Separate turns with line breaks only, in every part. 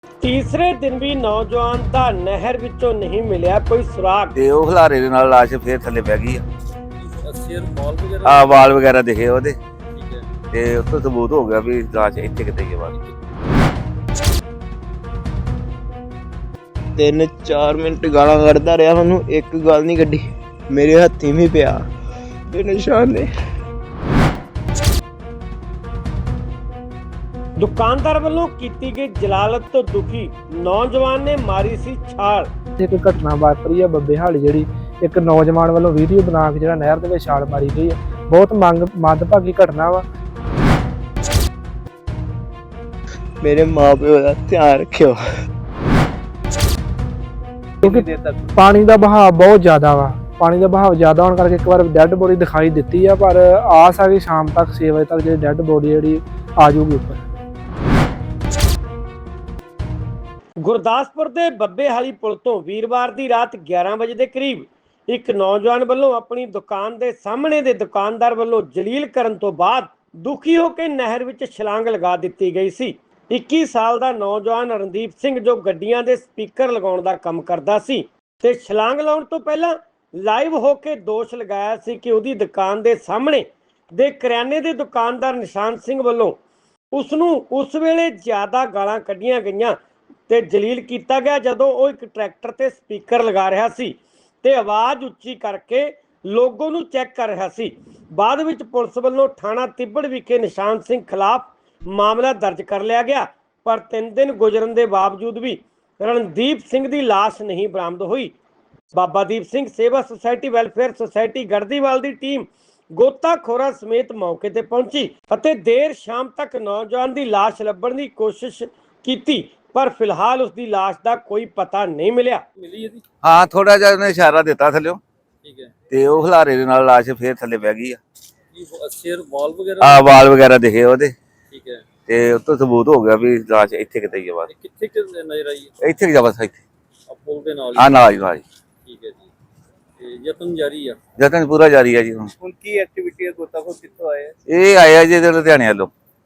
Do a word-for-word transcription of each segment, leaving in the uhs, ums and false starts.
ਤੀਸਰੇ ਦਿਨ ਵੀ ਨੌਜਵਾਨ ਦਾ ਨਹਿਰ ਵਿੱਚੋਂ ਨਹੀਂ ਮਿਲਿਆ ਕੋਈ ਸੁਰਾਗ।
ਤੇ ਉਹ ਖਲਾਰੇ ਦੇ ਨਾਲ ਲਾਸ਼ ਫੇਰ ਥੱਲੇ ਪੈ ਗਈ ਆ।
ਸਿਰ ਵਾਲ ਵਗੈਰਾ
ਆ ਵਾਲ ਵਗੈਰਾ ਦਿਖੇ ਉਹਦੇ,
ਠੀਕ ਹੈ।
ਤੇ ਉੱਥੋਂ ਸਬੂਤ ਹੋ ਗਿਆ ਵੀ ਲਾਸ਼ ਇੱਥੇ ਕਿਤੇ ਹੀ ਆ ਬਾਹਰ।
ਤਿੰਨ ਚਾਰ ਮਿੰਟ ਗਾਲਾਂ ਕੱਢਦਾ ਰਿਹਾ, ਮੈਨੂੰ ਇੱਕ ਗੱਲ ਨਹੀਂ ਕੱਢੀ। ਮੇਰੇ ਹੱਥੀਂ ਵੀ ਪਿਆ ਤੇ ਨਿਸ਼ਾਨ ਨੇ।
ਦੁਕਾਨਦਾਰ ਵੱਲੋਂ ਕੀਤੀ ਗਈ ਜਲਾਲਤ ਤੋਂ ਦੁਖੀ ਨੌਜਵਾਨ ਨੇ ਮਾਰੀ ਸੀ ਛਾਲ।
ਇੱਕ ਘਟਨਾ ਵਾਪਰੀ ਆ ਬੱਬੇ ਹਾਲੀ, ਜਿਹੜੀ ਇੱਕ ਨੌਜਵਾਨ ਵੱਲੋਂ ਵੀਡੀਓ ਬਣਾ ਕੇ ਜਿਹੜਾ ਨਹਿਰ ਦੇ ਵਿੱਚ ਛਾਲ ਮਾਰੀ ਗਈ ਹੈ। ਬਹੁਤ ਮੰਗ ਮੰਦਭਾਗੀ ਘਟਨਾ ਵਾ।
ਮੇਰੇ ਮਾਪਿਓ ਦਾ ਧਿਆਨ ਰੱਖਿਓ।
ਕਿਉਂਕਿ ਪਾਣੀ ਦਾ ਬਹਾਅ ਬਹੁਤ ਜ਼ਿਆਦਾ ਵਾ। ਪਾਣੀ ਦਾ ਬਹਾਅ ਜ਼ਿਆਦਾ ਹੋਣ ਕਰਕੇ ਇੱਕ ਵਾਰ ਡੈੱਡ ਬੋਡੀ ਦਿਖਾਈ ਦਿੱਤੀ ਆ, ਪਰ ਆਸ ਆ ਕਿ ਸ਼ਾਮ ਤੱਕ ਛੇ ਵਜੇ ਤੱਕ ਜਿਹੜੀ ਡੈੱਡ ਬੋਡੀ ਜਿਹੜੀ ਆ ਜਾਊਗੀ ਉੱਪਰ।
ਗੁਰਦਾਸਪੁਰ ਦੇ ਬੱਬੇ ਹਾਲੀ ਪੁਲ ਤੋਂ ਵੀਰਵਾਰ ਦੀ ਰਾਤ ਗਿਆਰਾਂ ਵਜੇ ਦੇ ਕਰੀਬ ਇੱਕ ਨੌਜਵਾਨ ਵੱਲੋਂ ਆਪਣੀ ਦੁਕਾਨ ਦੇ ਸਾਹਮਣੇ ਦੇ ਦੁਕਾਨਦਾਰ ਵੱਲੋਂ ਜਲੀਲ ਕਰਨ ਤੋਂ ਬਾਅਦ ਦੁਖੀ ਹੋ ਕੇ ਨਹਿਰ ਵਿੱਚ ਛਲਾਂਗ ਲਗਾ ਦਿੱਤੀ ਗਈ ਸੀ। ਇੱਕੀ ਸਾਲ ਦਾ ਨੌਜਵਾਨ ਰਣਦੀਪ ਸਿੰਘ, ਜੋ ਗੱਡੀਆਂ ਦੇ ਸਪੀਕਰ ਲਗਾਉਣ ਦਾ ਕੰਮ ਕਰਦਾ ਸੀ, ਤੇ ਛਲਾਂਗ ਲਾਉਣ ਤੋਂ ਪਹਿਲਾਂ ਲਾਈਵ ਹੋ ਕੇ ਦੋਸ਼ ਲਗਾਇਆ ਸੀ ਕਿ ਉਹਦੀ ਦੁਕਾਨ ਦੇ ਸਾਹਮਣੇ ਦੇ ਕਰਿਆਨੇ ਦੇ ਦੁਕਾਨਦਾਰ ਨਿਸ਼ਾਨ ਸਿੰਘ ਵੱਲੋਂ ਉਸ ਨੂੰ ਉਸ ਵੇਲੇ ਜ਼ਿਆਦਾ ਗਾਲਾਂ ਕੱਢੀਆਂ ਗਈਆਂ ਤੇ ਜਲੀਲ ਕੀਤਾ ਗਿਆ ਜਦੋਂ ਉਹ ਇੱਕ ਟਰੈਕਟਰ ਤੇ ਸਪੀਕਰ ਲਗਾ ਰਿਹਾ ਸੀ ਤੇ ਆਵਾਜ਼ ਉੱਚੀ ਕਰਕੇ ਲੋਗੋ ਨੂੰ ਚੈੱਕ ਕਰ ਰਿਹਾ ਸੀ। ਬਾਅਦ ਵਿੱਚ ਪੁਲਿਸ ਵੱਲੋਂ ਥਾਣਾ ਤਿੱਬੜ ਵਿਖੇ ਨਿਸ਼ਾਨ ਸਿੰਘ ਖਿਲਾਫ ਮਾਮਲਾ ਦਰਜ ਕਰ ਲਿਆ ਗਿਆ, ਪਰ ਤਿੰਨ ਦਿਨ ਗੁਜ਼ਰਨ ਦੇ ਬਾਵਜੂਦ ਵੀ ਰਣਦੀਪ ਸਿੰਘ ਦੀ ਲਾਸ਼ ਨਹੀਂ ਬਰਾਮਦ ਹੋਈ। ਬਾਬਾ Deep Singh Seva society welfare society Garhdiwal ਦੀ ਟੀਮ ਗੋਤਾਖੋਰਾਂ ਸਮੇਤ ਮੌਕੇ ਤੇ ਪਹੁੰਚੀ ਅਤੇ ਦੇਰ ਸ਼ਾਮ ਤੱਕ ਨੌਜਵਾਨ ਦੀ ਲਾਸ਼ ਲੱਭਣ ਦੀ ਕੋਸ਼ਿਸ਼ ਕੀਤੀ, ਪਰ ਫਿਲਹਾਲ ਉਸ ਦੀ ਲਾਸ਼ ਦਾ ਕੋਈ ਪਤਾ ਨਹੀਂ ਮਿਲਿਆ।
ਮਿਲੀ ਇਹਦੀ,
ਹਾਂ, ਥੋੜਾ ਜਿਹਾ ਉਹਨੇ ਇਸ਼ਾਰਾ ਦਿੱਤਾ ਥੱਲਿਓ,
ਠੀਕ ਹੈ।
ਤੇ ਉਹ ਖਲਾਰੇ ਦੇ ਨਾਲ ਲਾਸ਼ ਫੇਰ ਥੱਲੇ ਪੈ ਗਈ ਆ।
ਕੀ ਸਿਰ ਵਾਲ ਵਗੈਰਾ
ਆ ਵਾਲ ਵਗੈਰਾ ਦਿਖੇ ਉਹਦੇ,
ਠੀਕ ਹੈ।
ਤੇ ਉੱਥੋਂ ਸਬੂਤ ਹੋ ਗਿਆ ਵੀ ਲਾਸ਼ ਇੱਥੇ ਕਿਤੇ ਹੀ ਆ ਬਾਹਰ।
ਕਿੱਥੇ ਕਿ ਨਜ਼ਰ ਆਈ ਹੈ?
ਇੱਥੇ ਹੀ ਆ ਬਸ, ਇੱਥੇ
ਆ ਪੁਲ ਦੇ ਨਾਲ
ਆ
ਹੀ,
ਨਾਲ ਹੀ ਨਾਲ ਹੀ।
ਠੀਕ ਹੈ ਜੀ। ਤੇ ਯਤਨ ਜਾਰੀ ਆ।
ਯਤਨ ਪੂਰਾ ਜਾਰੀ ਆ ਜੀ। ਹੁਣ
ਹੁਣ ਕੀ ਐਕਟੀਵਿਟੀ ਹੈ? ਗੋਤਾਖੋਰ ਕਿੱਥੋਂ ਆਏ?
ਇਹ ਆਇਆ ਜੀ ਇਹਦੇ ਲੁਧਿਆਣੇ ਵੱਲੋਂ,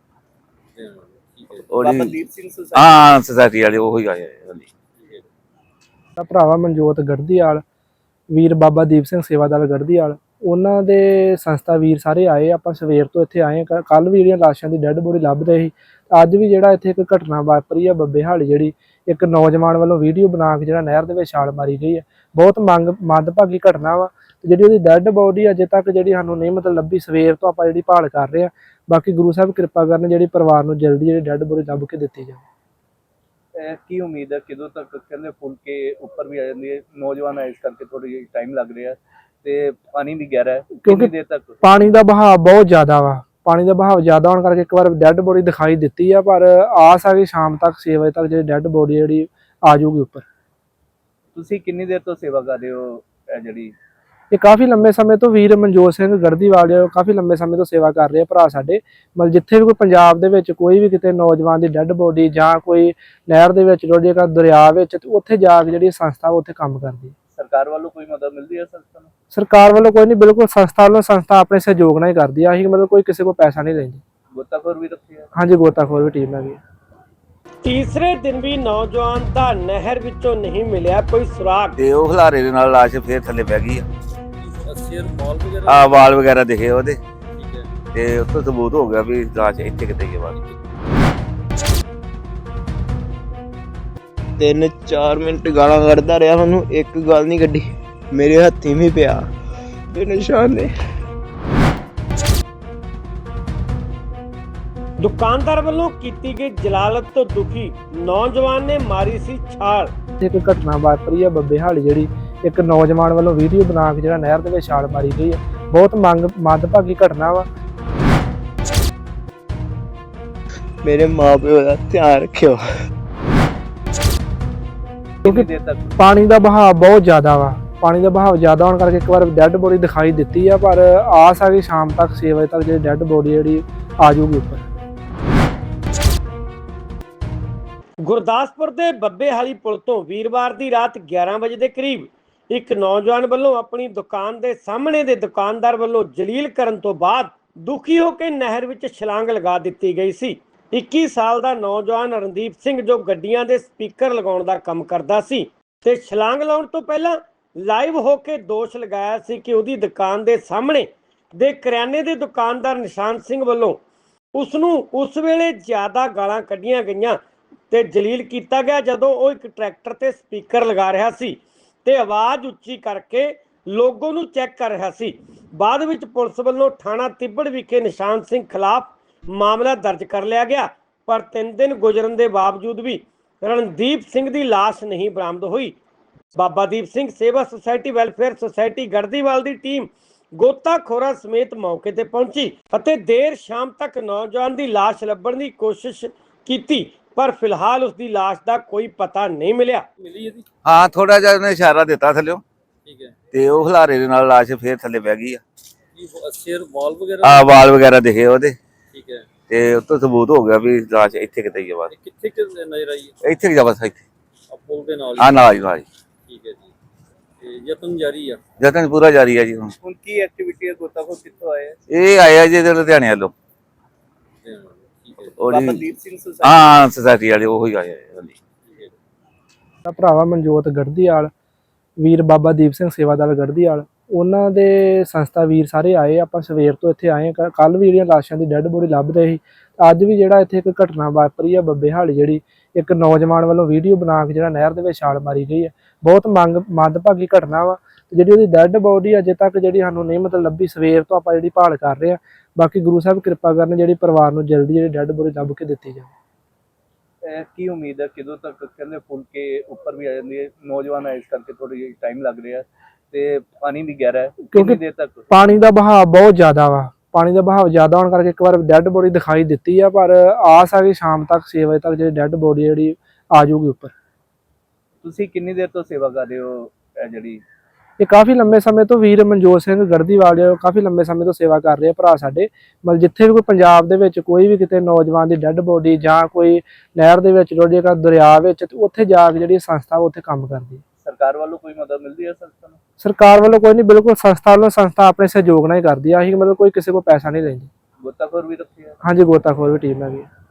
ਠੀਕ ਹੈ।
ਉਹਦੀ
ਦੀਪ ਸਿੰਘ ਸੁਸਾਇਟੀ,
ਹਾਂ ਸੁਸਾਇਟੀ ਵਾਲੇ ਉਹੀ ਆਏ ਆ ਜੀ।
ਠੀਕ ਹੈ।
ਦਾ ਭਰਾਵਾ ਮਨਜੋਤ ਗੜਦੀਵਾਲ, ਵੀਰ ਬਾਬਾ ਦੀਪ ਸਿੰਘ ਸੇਵਾਦਾਰ ਗੜਦੀਵਾਲ, ਉਹਨਾਂ ਦੇ ਸੰਸਥਾ ਵੀਰ ਸਾਰੇ ਆਏ। ਆਪਾਂ ਸਵੇਰ ਤੋਂ ਇੱਥੇ ਆਏ। ਕੱਲ ਵੀ ਜਿਹੜੀਆਂ ਲਾਸ਼ਾਂ ਦੀ ਡੈੱਡ ਬੋਡੀ ਲੱਭ ਰਹੇ ਸੀ, ਅੱਜ ਵੀ ਜਿਹੜਾ ਇੱਥੇ ਇੱਕ ਘਟਨਾ ਵਾਪਰੀ ਆ ਬੱਬੇ ਹਾਲੀ, ਜਿਹੜੀ ਇੱਕ ਨੌਜਵਾਨ ਵੱਲੋਂ ਵੀਡੀਓ ਬਣਾ ਕੇ ਜਿਹੜਾ ਨਹਿਰ ਦੇ ਵਿੱਚ ਛਾਲ ਮਾਰੀ ਗਈ ਹੈ। ਬਹੁਤ ਮੰਗ ਮੰਦਭਾਗੀ ਘਟਨਾ ਵਾ। ਤੇ ਜਿਹੜੀ ਉਹਦੀ ਡੈੱਡ ਬੋਡੀ ਅਜੇ ਤੱਕ ਜਿਹੜੀ ਸਾਨੂੰ ਨਹੀਂ ਮਤਲਬ ਲੱਭੀ। ਸਵੇਰ ਤੋਂ ਆਪਾਂ ਜਿਹੜੀ ਭਾਲ ਕਰ ਰਹੇ ਆ। ਬਾਕੀ ਗੁਰੂ ਸਾਹਿਬ ਕਿਰਪਾ ਕਰਨ ਜਿਹੜੀ ਪਰਿਵਾਰ ਨੂੰ ਜਲਦੀ ਜਿਹੜੀ ਡੈੱਡ ਬੋਡੀ ਲੱਭ ਕੇ ਦਿੱਤੀ ਜਾਵੇ।
ਕੀ ਉਮੀਦ ਹੈ ਕਿਦੋਂ ਤੱਕ? ਕਹਿੰਦੇ ਫੁੱਲ ਕੇ ਉੱਪਰ ਵੀ ਆ ਜਾਂਦੀ ਹੈ, ਨੌਜਵਾਨ ਹੈ ਇਸ ਕਰਕੇ ਥੋੜੀ ਟਾਈਮ ਲੱਗ ਰਿਹਾ ਤੇ ਪਾਣੀ ਵੀ ਗਹਿਰਾ ਹੈ। ਕਿੰਨੀ ਦੇਰ ਤੱਕ?
ਪਾਣੀ ਦਾ ਬਹਾਅ ਬਹੁਤ ਜ਼ਿਆਦਾ ਵਾ। ਪਾਣੀ ਦਾ ਬਹਾਅ ਜ਼ਿਆਦਾ ਹੋਣ ਕਰਕੇ ਇੱਕ ਵਾਰ ਡੈੱਡ ਬੋਡੀ ਦਿਖਾਈ ਦਿੱਤੀ ਆ, ਪਰ ਆਸ ਆ ਕਿ ਸ਼ਾਮ ਤੱਕ ਛੇ ਵਜੇ ਤੱਕ ਜਿਹੜੀ ਡੈੱਡ ਬੋਡੀ ਜਿਹੜੀ ਆ ਜਾਊਗੀ ਉੱਪਰ।
ਤੁਸੀਂ ਕਿੰਨੀ ਦੇਰ ਤੋਂ ਸੇਵਾ ਕਰ ਰਹੇ ਹੋ? ਇਹ ਜਿਹੜੀ
ਇਹ ਕਾਫੀ ਲੰਬੇ ਸਮੇਂ ਤੋਂ ਵੀਰ ਮਨਜੋਤ ਸਿੰਘ ਗੜਦੀਵਾਲ ਜਿਹੜੇ ਕਾਫੀ ਲੰਬੇ ਸਮੇਂ ਤੋਂ ਸੇਵਾ ਕਰ ਰਹੇ ਆ ਭਰਾ ਸਾਡੇ। ਮਤਲਬ ਜਿੱਥੇ ਵੀ ਕੋਈ ਪੰਜਾਬ ਦੇ ਵਿੱਚ ਕੋਈ ਵੀ ਕਿਤੇ ਨੌਜਵਾਨ ਦੀ ਡੈੱਡ ਬੋਡੀ ਜਾਂ ਕੋਈ ਨਹਿਰ ਦੇ ਵਿੱਚ ਰੁੜ ਜਾਏਗਾ, ਦਰਿਆ ਵਿੱਚ, ਤੇ ਉੱਥੇ ਜਾ ਕੇ ਜਿਹੜੀ ਸੰਸਥਾ ਉੱਥੇ ਕੰਮ ਕਰਦੀ ਹੈ।
ਸਰਕਾਰ ਵੱਲੋਂ ਕੋਈ ਮਦਦ ਮਿਲਦੀ ਹੈ ਸੰਸਥਾ ਨੂੰ?
ਸਰਕਾਰ ਵੱਲੋਂ ਕੋਈ ਨਹੀਂ, ਬਿਲਕੁਲ ਸੰਸਥਾ ਵੱਲੋਂ ਸੰਸਥਾ ਆਪਣੇ ਸਹਿਯੋਗ ਨਾਲ ਹੀ ਕਰਦੀ ਆ। ਅਸੀਂ ਮਤਲਬ ਕੋਈ ਕਿਸੇ ਕੋਲ ਪੈਸਾ ਨਹੀਂ ਲੈਂਦੀ।
ਗੋਤਾਖੋਰ ਵੀ ਰੱਖੀ ਹੈ?
ਹਾਂਜੀ, ਗੋਤਾਖੋਰ ਵੀ ਟੀਮ ਹੈਗੀ।
ਤੀਸਰੇ ਦਿਨ ਵੀ ਨੌਜਵਾਨ ਦਾ ਨਹਿਰ ਵਿੱਚੋਂ ਨਹੀਂ ਮਿਲਿਆ ਕੋਈ ਸੁਰਾਗ।
ਤੇ ਉਹ ਖਲਾਰੇ ਦੇ ਨਾਲ ਲਾਸ਼ ਫੇਰ ਥੱਲੇ ਪੈ ਗਈ ਆ।
ਸਿਰ ਵਾਲ ਵਗੈਰਾ
ਆ ਵਾਲ ਵਗੈਰਾ ਦਿਖੇ ਉਹਦੇ,
ਠੀਕ ਹੈ।
ਤੇ ਉੱਥੋਂ ਸਬੂਤ ਹੋ ਗਿਆ ਵੀ ਲਾਸ਼ ਇੱਥੇ ਕਿਤੇ ਹੀ ਆ ਬਾਹਰ।
ਤਿੰਨ ਚਾਰ ਮਿੰਟ ਗਾਲਾਂ ਕੱਢਦਾ ਰਿਹਾ, ਮੈਨੂੰ ਇੱਕ ਗੱਲ ਨਹੀਂ ਕੱਢੀ। ਮੇਰੇ ਹੱਥੀਂ ਵੀ ਪਿਆ ਤੇ ਨਿਸ਼ਾਨ ਨੇ।
ਦੁਕਾਨਦਾਰ ਵੱਲੋਂ ਕੀਤੀ ਗਈ ਜਲਾਲਤ ਤੋਂ ਦੁਖੀ ਨੌਜਵਾਨ ਨੇ ਮਾਰੀ ਸੀ ਛਾਲ।
ਇੱਕ ਘਟਨਾ ਵਾਪਰੀ ਆ ਬੱਬੇ ਹਾਲੀ, ਜਿਹੜੀ ਇੱਕ ਨੌਜਵਾਨ ਵੱਲੋਂ ਵੀਡੀਓ ਬਣਾ ਕੇ ਜਿਹੜਾ ਨਹਿਰ ਦੇ ਵਿੱਚ ਛਾਲ ਮਾਰੀ ਗਈ ਹੈ। ਬਹੁਤ ਮੰਗ ਮੰਦਭਾਗੀ ਘਟਨਾ ਵਾ।
ਮੇਰੇ ਮਾਪਿਓ ਦਾ ਧਿਆਨ ਰੱਖਿਓ।
ਕਿਉਂਕਿ ਪਾਣੀ ਦਾ ਬਹਾਅ ਬਹੁਤ ਜ਼ਿਆਦਾ ਵਾ। ਪਾਣੀ ਦਾ ਬਹਾਅ ਜ਼ਿਆਦਾ ਹੋਣ ਕਰਕੇ ਇੱਕ ਵਾਰ ਡੈੱਡ ਬੋਡੀ ਦਿਖਾਈ ਦਿੱਤੀ ਆ, ਪਰ ਆਸ ਆ ਕਿ ਸ਼ਾਮ ਤੱਕ ਛੇ ਵਜੇ ਤੱਕ ਜਿਹੜੀ ਡੈੱਡ ਬੋਡੀ ਜਿਹੜੀ ਆ ਜਾਊਗੀ ਉੱਪਰ।
ਗੁਰਦਾਸਪੁਰ ਦੇ ਬੱਬੇ ਹਾਲੀ ਪੁਲ ਤੋਂ ਵੀਰਵਾਰ ਦੀ ਰਾਤ ਗਿਆਰਾਂ ਵਜੇ ਦੇ ਕਰੀਬ ਇੱਕ ਨੌਜਵਾਨ ਵੱਲੋਂ ਆਪਣੀ ਦੁਕਾਨ ਦੇ ਸਾਹਮਣੇ ਦੇ ਦੁਕਾਨਦਾਰ ਵੱਲੋਂ ਜਲੀਲ ਕਰਨ ਤੋਂ ਬਾਅਦ ਦੁਖੀ ਹੋ ਕੇ ਨਹਿਰ ਵਿੱਚ ਛਲਾਂਗ ਲਗਾ ਦਿੱਤੀ ਗਈ ਸੀ। ਇੱਕੀ ਸਾਲ ਦਾ ਨੌਜਵਾਨ ਰਣਦੀਪ ਸਿੰਘ ਜੋ ਗੱਡੀਆਂ ਦੇ ਸਪੀਕਰ ਲਗਾਉਣ ਦਾ ਕੰਮ ਕਰਦਾ ਸੀ ਤੇ ਛਲਾਂਗ ਲਾਉਣ ਤੋਂ ਪਹਿਲਾਂ ਲਾਈਵ ਹੋ ਕੇ ਦੋਸ਼ ਲਗਾਇਆ ਸੀ ਕਿ ਉਹਦੀ ਦੁਕਾਨ ਦੇ ਸਾਹਮਣੇ ਦੇ ਕਰਿਆਨੇ ਦੇ ਦੁਕਾਨਦਾਰ ਨਿਸ਼ਾਨ ਸਿੰਘ ਵੱਲੋਂ ਉਸ ਨੂੰ ਉਸ ਵੇਲੇ ਜ਼ਿਆਦਾ ਗਾਲਾਂ ਕੱਢੀਆਂ ਗਈਆਂ ਤੇ ਜਲੀਲ ਕੀਤਾ ਗਿਆ ਜਦੋਂ ਉਹ ਇੱਕ ਟਰੈਕਟਰ ਤੇ ਸਪੀਕਰ ਲਗਾ ਰਿਹਾ ਸੀ ਤੇ ਆਵਾਜ਼ ਉੱਚੀ ਕਰਕੇ ਲੋਗੋ ਨੂੰ ਚੈੱਕ ਕਰ ਰਿਹਾ ਸੀ। ਬਾਅਦ ਵਿੱਚ ਪੁਲਿਸ ਵੱਲੋਂ ਥਾਣਾ ਤਿੱਬੜ ਵਿਖੇ ਨਿਸ਼ਾਨ ਸਿੰਘ ਖਿਲਾਫ ਮਾਮਲਾ ਦਰਜ ਕਰ ਲਿਆ ਗਿਆ, ਪਰ ਤਿੰਨ ਦਿਨ ਗੁਜ਼ਰਨ ਦੇ ਬਾਵਜੂਦ ਵੀ ਰਣਦੀਪ ਸਿੰਘ ਦੀ ਲਾਸ਼ ਨਹੀਂ ਬਰਾਮਦ ਹੋਈ। ਬਾਬਾ Deep Singh Seva society welfare society Garhdiwal ਦੀ ਟੀਮ ਗੋਤਾਖੋਰਾਂ ਸਮੇਤ ਮੌਕੇ ਤੇ ਪਹੁੰਚੀ ਅਤੇ ਦੇਰ ਸ਼ਾਮ ਤੱਕ ਨੌਜਵਾਨ ਦੀ ਲਾਸ਼ ਲੱਭਣ ਦੀ ਕੋਸ਼ਿਸ਼ ਕੀਤੀ, ਪਰ ਫਿਲਹਾਲ ਉਸ ਦੀ ਲਾਸ਼ ਦਾ ਕੋਈ ਪਤਾ ਨਹੀਂ ਮਿਲਿਆ।
ਮਿਲੀ ਇਹਦੀ
ਹਾਂ ਥੋੜਾ ਜਿਹਾ ਉਹਨੇ ਇਸ਼ਾਰਾ ਦਿੱਤਾ ਥੱਲਿਓ
ਠੀਕ ਹੈ
ਤੇ ਉਹ ਹਲਾਰੇ ਦੇ ਨਾਲ ਲਾਸ਼ ਫੇਰ ਥੱਲੇ ਬਹਿ ਗਈ ਆ।
ਕੀ ਸਿਰ ਵਾਲ ਵਗੈਰਾ
ਆ ਵਾਲ ਵਗੈਰਾ ਦਿਖੇ ਉਹਦੇ
ਠੀਕ ਹੈ।
ਤੇ ਉੱਤੋਂ ਸਬੂਤ ਹੋ ਗਿਆ ਵੀ ਲਾਸ਼ ਇੱਥੇ ਕਿਤੇ ਹੀ ਆ ਬਸ।
ਇਹ ਕਿੱਥੇ ਕਿ ਨਜ਼ਰ ਆਈ ਹੈ?
ਇੱਥੇ ਕਿ ਜਾ ਬਸ ਇੱਥੇ
ਆ ਪੁਲ ਦੇ ਨਾਲ
ਆ
ਹੀ
ਨਾਲ ਹੀ ਨਾਲ ਹੀ।
ਠੀਕ ਹੈ ਜੀ। ਤੇ ਯਤਨ ਜਾਰੀ ਆ।
ਯਤਨ ਪੂਰਾ ਜਾਰੀ ਹੈ ਜੀ ਹੁਣ।
ਹੁਣ ਕੀ ਐਕਟੀਵਿਟੀ ਹੈ? ਗੋਤਾਖੋਰ ਕਿੱਥੋਂ ਆਏ ਹੈ?
ਇਹ ਆਇਆ ਜੀ ਇਹਦੇ ਲੁਧਿਆਣੇ ਵੱਲੋਂ
ਤੇ ਠੀਕ ਹੈ।
ਉਹ
ਬਾਬਾ
ਜੀ
ਦੀਪ ਸਿੰਘ ਸੁਸਾਇਟੀ
ਹਾਂ ਸੁਸਾਇਟੀ ਵਾਲੇ ਉਹ ਹੀ ਆਏ ਆ ਹਾਂਜੀ।
ਠੀਕ ਹੈ।
ਦਾ ਭਰਾਵਾ ਮਨਜੋਤ ਗੜਦੀਵਾਲ ਵੀਰ ਬਾਬਾ ਦੀਪ ਸਿੰਘ ਸੇਵਾਦਾਰ ਗੜਦੀਵਾਲ ਉਹਨਾਂ ਦੇ ਸੰਸਥਾ ਵੀਰ ਸਾਰੇ ਆਏ। ਆਪਾਂ ਸਵੇਰ ਤੋਂ ਇੱਥੇ ਆਏ ਹਾਂ। ਕੱਲ ਵੀ ਜਿਹੜੀਆਂ ਲਾਸ਼ਾਂ ਦੀ ਡੈੱਡ ਬੋਡੀ ਲੱਭ ਰਹੀ ਸੀ, ਅੱਜ ਵੀ ਜਿਹੜਾ ਇੱਥੇ ਇੱਕ ਘਟਨਾ ਵਾਪਰੀ ਆ ਬੱਬੇ ਹਾਲੀ, ਜਿਹੜੀ ਇੱਕ ਨੌਜਵਾਨ ਵੱਲੋਂ ਵੀਡੀਓ ਬਣਾ ਕੇ ਜਿਹੜਾ ਨਹਿਰ ਦੇ ਵਿੱਚ ਛਾਲ ਮਾਰੀ ਗਈ ਹੈ। ਬਹੁਤ ਮੰਗ ਮੰਦਭਾਗੀ ਘਟਨਾ ਵਾ ਤੇ ਜਿਹੜੀ ਉਹਦੀ ਡੈੱਡ ਬੋਡੀ ਅਜੇ ਤੱਕ ਜਿਹੜੀ ਸਾਨੂੰ ਨਹੀਂ ਮਤਲਬ ਲੱਭੀ। ਸਵੇਰ ਤੋਂ ਆਪਾਂ ਜਿਹੜੀ ਭਾਲ ਕਰ ਰਹੇ ਹਾਂ। ਬਾਕੀ ਗੁਰੂ ਸਾਹਿਬ ਕਿਰਪਾ ਕਰਨ ਜਿਹੜੀ ਪਰਿਵਾਰ ਨੂੰ ਜਲਦੀ ਜਿਹੜੀ ਡੈੱਡ ਬੋਡੀ ਲੱਭ ਕੇ ਦਿੱਤੀ ਜਾਵੇ।
ਇਹ ਕੀ ਉਮੀਦ ਹੈ ਕਿਦੋਂ ਤੱਕ? ਕਹਿੰਦੇ ਫੁੱਲ ਕੇ ਉੱਪਰ ਵੀ ਆ ਜਾਂਦੀ ਹੈ, ਨੌਜਵਾਨ ਹੈ ਇਸ ਕਰਕੇ ਥੋੜੀ ਜਿਹੀ ਟਾਈਮ ਲੱਗ ਰਿਹਾ ਤੇ ਪਾਣੀ ਵੀ ਗਹਿਰਾ ਹੈ। ਕਿੰਨੀ ਦੇਰ ਤੱਕ?
ਪਾਣੀ ਦਾ ਬਹਾਅ ਬਹੁਤ ਜ਼ਿਆਦਾ ਵਾ। ਪਾਣੀ ਦਾ ਬਹਾਅ ਜ਼ਿਆਦਾ ਹੋਣ ਕਰਕੇ ਇੱਕ ਵਾਰ ਡੈੱਡ ਬੋਡੀ ਦਿਖਾਈ ਦਿੱਤੀ ਆ, ਪਰ ਆਸ ਆ ਕਿ ਸ਼ਾਮ ਤੱਕ ਛੇ ਵਜੇ ਤੱਕ ਜਿਹੜੀ ਡੈੱਡ ਬੋਡੀ ਜਿਹੜੀ ਆ ਜਾਊਗੀ ਉੱਪਰ।
ਤੁਸੀਂ ਕਿੰਨੀ ਦੇਰ ਤੋਂ ਸੇਵਾ ਕਰ ਰਹੇ ਹੋ? ਇਹ ਜਿਹੜੀ
ਇਹ ਕਾਫੀ ਲੰਮੇ ਸਮੇਂ ਤੋਂ ਵੀਰ ਮਨਜੋਤ ਸਿੰਘ ਗੜਦੀਵਾਲ ਜਿਹੜੇ ਕਾਫੀ ਲੰਮੇ ਸਮੇਂ ਤੋਂ ਸੇਵਾ ਕਰ ਰਹੇ ਆ ਭਰਾ ਸਾਡੇ। ਮਤਲਬ ਜਿੱਥੇ ਵੀ ਕੋਈ ਪੰਜਾਬ ਦੇ ਵਿੱਚ ਕੋਈ ਵੀ ਕਿਤੇ ਨੌਜਵਾਨ ਦੀ ਡੈੱਡ ਬੋਡੀ ਜਾਂ ਕੋਈ ਨਹਿਰ ਦੇ ਵਿੱਚ ਰੁੜ ਜਾਏਗਾ, ਦਰਿਆ ਵਿੱਚ, ਤੇ ਉੱਥੇ ਜਾ ਕੇ ਜਿਹੜੀ ਸੰਸਥਾ ਉੱਥੇ ਕੰਮ ਕਰਦੀ ਹੈ।
ਸਰਕਾਰ ਵੱਲੋਂ ਕੋਈ ਮਦਦ ਮਿਲਦੀ ਹੈ ਸੰਸਥਾ ਨੂੰ?
ਸਰਕਾਰ ਵੱਲੋਂ ਕੋਈ ਨਹੀਂ, ਬਿਲਕੁਲ ਸੰਸਥਾ ਵੱਲੋਂ ਸੰਸਥਾ ਆਪਣੇ ਸਹਿਯੋਗ ਨਾਲ ਹੀ ਕਰਦੀ ਆ। ਅਸੀਂ ਮਤਲਬ ਕੋਈ ਕਿਸੇ ਕੋਲ ਪੈਸਾ ਨਹੀਂ ਲੈਂਦੀ।
ਗੋਤਾਖੋਰ ਵੀ ਰੱਖੇ ਆ?
ਹਾਂਜੀ, ਗੋਤਾਖੋਰ ਵੀ ਟੀਮ ਹੈਗੀ।